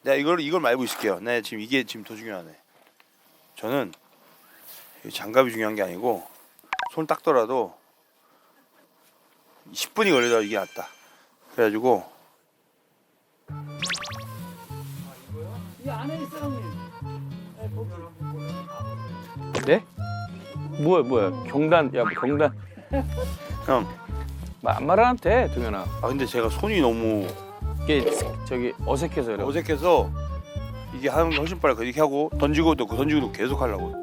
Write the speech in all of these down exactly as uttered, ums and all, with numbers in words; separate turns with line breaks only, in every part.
내가 이걸 이걸 알고 있을게요. 네, 지금 이게 지금 더 중요하네. 저는 장갑이 중요한 게 아니고 손 닦더라도 십 분이 걸리더라도 이게 낫다. 그래가지고
이 안에 있어 형님.
네? 뭐야 뭐야 경단 야 뭐 경단
형.
말 말안 돼 동현아.
아 근데 제가 손이 너무
이게 저기 어색해서 그래.
어색해서 이게 하는 게 훨씬 빨라. 이렇게 하고 던지고 또 던지고 또 계속 하려고.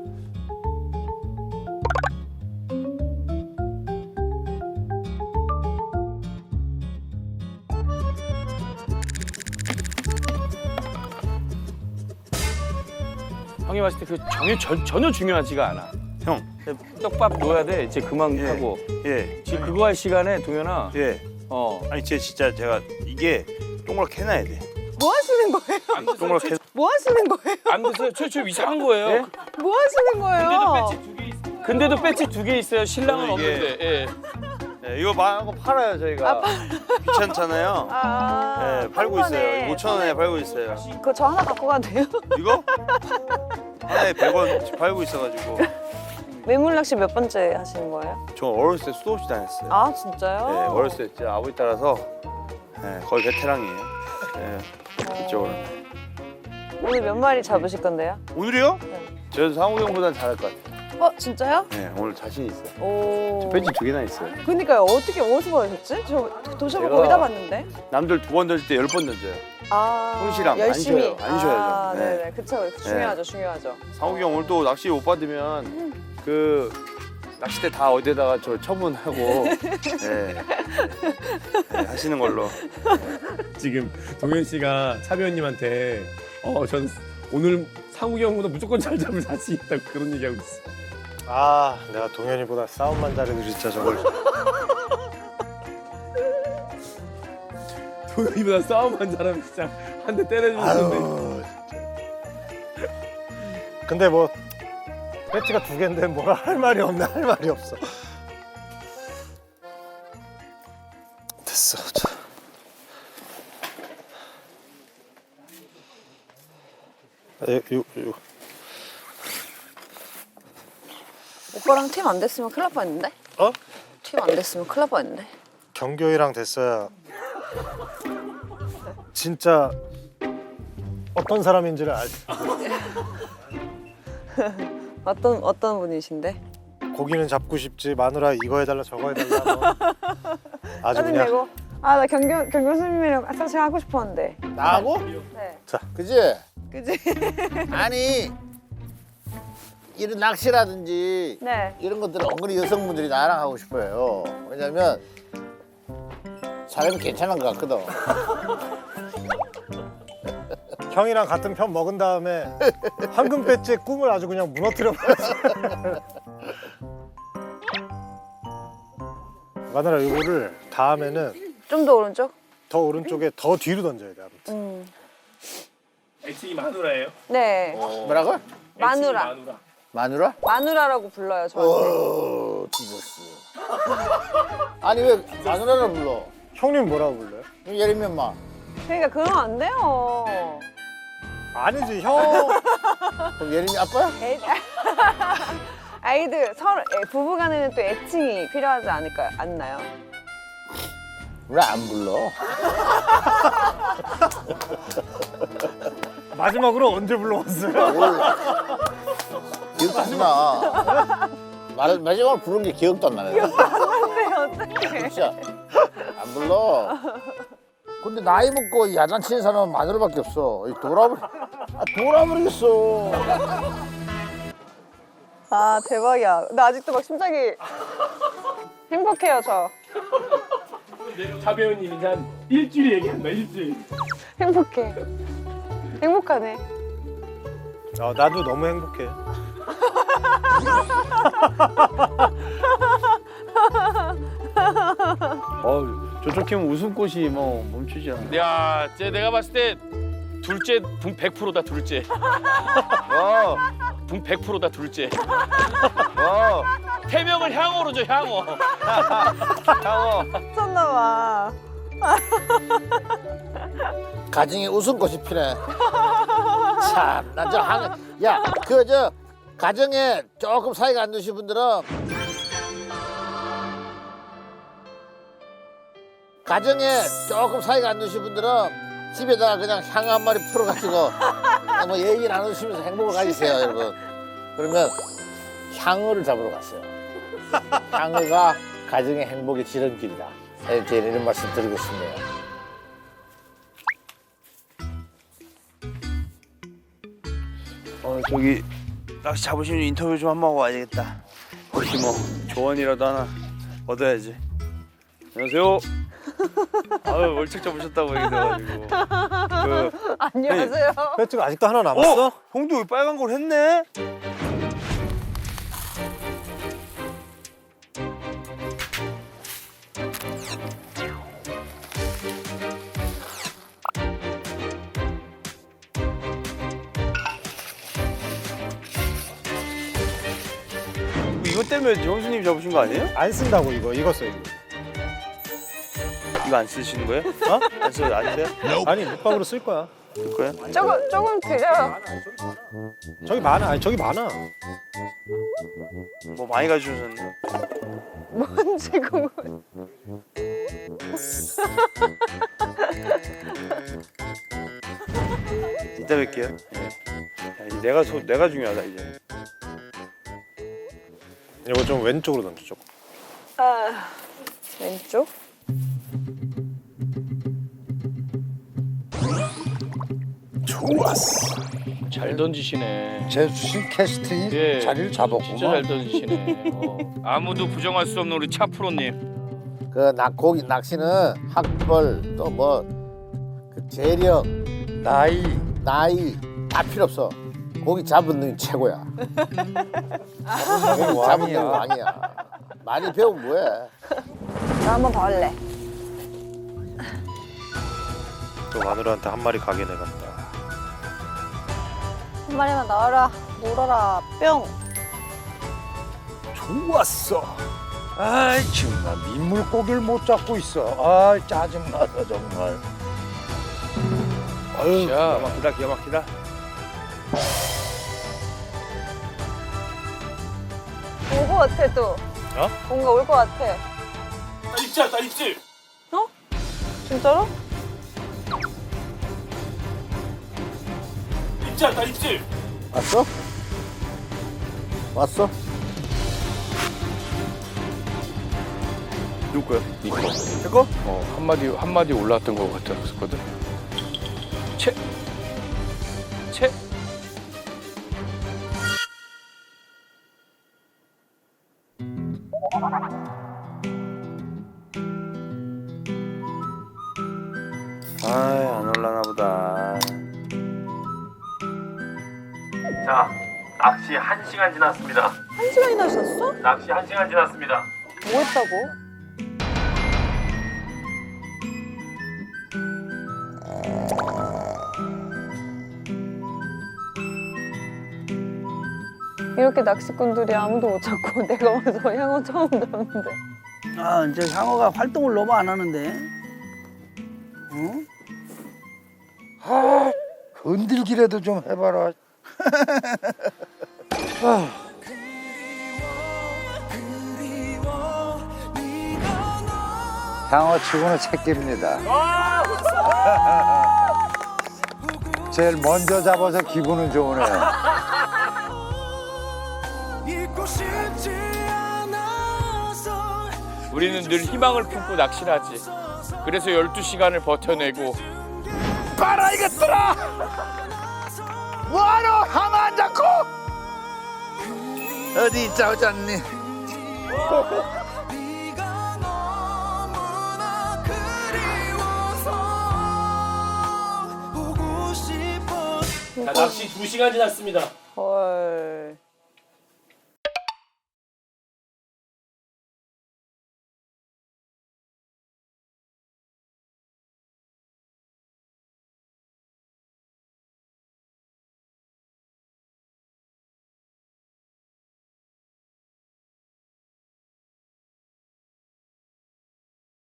형이 봤을 때 그 전혀 전, 전혀 중요하지가 않아.
형.
떡밥 넣어야 돼. 이제 그만
예.
하고.
예.
지금 그거 할 시간에 동현아.
예.
어.
아니 제 진짜 제가 이게 동그랗게 해놔야 돼.
뭐 하시는 거예요?
안 드세요.
동그랗게.
뭐 하시는 거예요?
안 드세요. 저, 저 이상한 거예요.
예?
뭐 하시는 거예요?
근데도 배지 두 개 있어요. 신랑은
이게-
없는데. 예.
네, 이거 망한 거 팔아요 저희가. 귀찮잖아요.
아,
네, 팔고 있어요. 오천 원에 팔고 있어요.
그거 저 하나 갖고 가도 돼요?
이거 하나에 백 원 팔고 있어가지고.
매물낚시 몇 번째 하시는 거예요?
저 어렸을 때 수도 없이 다녔어요.
아 진짜요?
네, 어렸을 때 진짜 아버지 따라서 네, 거의 베테랑이에요. 네, 이쪽으로.
오늘 몇 마리 잡으실 건데요?
오늘이요?
네.
저는 상욱이 형보다는 잘할 것 같아요.
어 진짜요?
네, 오늘 자신 있어요.
오.
배지 두 개나 있어요.
그러니까요. 어떻게 어디서 받으셨지? 저 도시락
제가-
거의 다 봤는데.
남들 두 번 던질 때 열 번 던져요.
아
손실함, 안
열심히.
쉬어요. 안 쉬어야죠.
아,
네.
네네. 그쵸. 중요하죠. 중요하죠.
상욱이 형 오늘 또 낚시 못 받으면 그 낚싯대 다 어디에다가 저 처분하고 네. 네, 하시는 걸로.
지금 동현 씨가 차 배우님한테 어, 전 오늘 상욱이 형보다 무조건 잘 잡을 자신 있다고 그런 얘기하고 있어.
아, 내가 동현이보다 싸움만 잘해도 진짜 저걸.
동현이보다 싸움만 잘하면 진짜 한 대 때려주는데.
아유. 근데 뭐 배지가 두 개인데 뭐라 할 말이 없네. 할 말이 없어. 됐어. 자. 아, 요, 요, 요.
오빠랑 팀 안 됐으면 큰일 날 뻔했는데?
어?
팀 안 됐으면 큰일 날 뻔했는데?
경교이랑 됐어야 진짜 어떤 사람인지를 알.
어떤 어떤 분이신데?
고기는 잡고 싶지 마누라 이거 해달라 저거 해달라 뭐. 아주 그냥
짜증내고. 아 나 경교 경교 선생님이랑 사실 하고 싶었는데.
나하고?
네.
그지?
그지?
아니 이런 낚시라든지
네.
이런 것들은 은근히 여성분들이 나랑 하고 싶어요. 왜냐면 사람이 괜찮은 것 같거든.
형이랑 같은 편 먹은 다음에 황금 배지의 꿈을 아주 그냥 무너뜨려 버렸어. 마누라 이거를 다음에는
좀 더 오른쪽?
더 오른쪽에 더 뒤로 던져야 돼. 아무튼.
음.
애칭이 마누라예요?
네.
뭐라고?
마누라.
마누라?
마누라라고 불러요 저한테.
어, 뒤졌어. 아니 왜 마누라를 불러?
형님 뭐라고 불러요?
예를 들면 막
그러니까 그러면 안 돼요.
아니지 형.
그럼 예림이 아빠야?
애... 아이들 서로 애, 부부간에는 또 애칭이 필요하지 않을까요? 않나요?
왜 안 불러?
마지막으로 언제 불러왔어요?
몰라. 기억도 안 나. 말, 마지막으로 부른 게 기억도 안 나네.
근데 어떡해.
진짜 안 불러. 근데 나이 먹고 야단치는 사람은 마누라밖에 없어. 이 돌아버리, 아, 돌아버리겠어.
아 대박이야. 나 아직도 막 심장이 행복해요 저.
차 배우님이 이제 한 일주일 얘기한다 일주일.
행복해. 행복하네.
아, 나도 너무 행복해.
어, 저쪽 팀은 웃음꽃이 뭐 멈추지 않아.
야, 쟤 내가 봤을 때 둘째 분 백 퍼센트다 둘째.
와,
분 백 퍼센트다 둘째.
와,
태명을 향어로 줘 향어.
향어.
미쳤나 봐.
가정에 웃음꽃이 피네. 참, 나 저 한, 야, 그 저 가정에 조금 사이가 안 좋으신 분들은 가정에 조금 사이가 안 좋으신 분들은 집에다가 그냥 향 한 마리 풀어가지고 뭐 얘기 나누시면서 행복을 가지세요, 여러분. 그러면 향어를 잡으러 갔어요. 향어가 가정의 행복의 지름길이다. 이렇게 이런 말씀 드리고 싶네요.
어 저기 낚시 잡으시면 인터뷰 좀 한번 하고 와야 되겠다. 혹시 뭐 조언이라도 하나 얻어야지. 안녕하세요. 아유 월척 잡으셨다고 얘기해가지고. 그
안녕하세요.
배지가 아직도 하나 남았어?
어? 형도 여기 빨간 걸 했네? 이거 때문에 형수님 잡으신 거 아니에요?
안 쓴다고 이거 이거 써 이거.
이거 안 쓰시는 거예요? 어? 안 써요? 안 써요?
아니 밑밥으로 쓸 거야.
쓸 거예요?
조금 조금 드려요.
저기 많아. 아니 저기 많아.
뭐 많이 가져오셨네.
뭔지 궁금.
이따 뵐게요. 예. 야, 이제 내가 소, 내가 중요하다 이제.
이거 좀 왼쪽으로 던져 조금.
아, 왼쪽.
잘 던지시네.
제수씨 캐스팅이
예,
자리를
진짜 잘
잡았구만.
던지시네. 어. 아무도 부정할 수 없는 우리 차프로님.
그 낙고기 낚시는 학벌 또 뭐 그 재력, 나이, 나이 다 필요 없어. 고기 잡은 놈이 최고야. 고기 잡은 놈이 왕이야. 많이 배우면 뭐해?
나 한번 더 할래.
또 마누라한테 한 마리 가게 내갔다.
한 마리만 나와라. 놀아라. 뿅.
좋았어. 아이 정말 민물고기를 못 잡고 있어. 아 짜증나서 정말.
아유 기가
자,
막히다 기가 막히다.
올 것 같아 또.
어?
뭔가 올 것 같아.
나 입질, 나 입질.
진짜로?
입질, 나 입질.
왔어? 왔어?
누구 거야?
이거.
제 거?
어, 한 마디 한 마디 올라왔던 것 같았거든. 채. 채.
아이 안 올라나 보다.
자, 낚시 한 시간 지났습니다.
한 시간이나 하셨어?
낚시 한 시간 지났습니다.
뭐 했다고? 이렇게 낚시꾼들이 아무도 못 잡고 내가 와서 향어 처음 잡는데.
아, 이제 향어가 활동을 너무 안 하는데. 어?
아 건들기라도 좀 해봐라.
향어 치고는 새끼입니다. 제일 먼저 잡아서 기분은 좋으네요.
우리는 늘 희망을 품고 낚시를 하지. 그래서 열두 시간을 버텨내고
봐라 이것들아. 뭐하러 향어 안 잡고?
어디 있자 오지 않니?
자, 낚시 두 시간 지났습니다.
헐.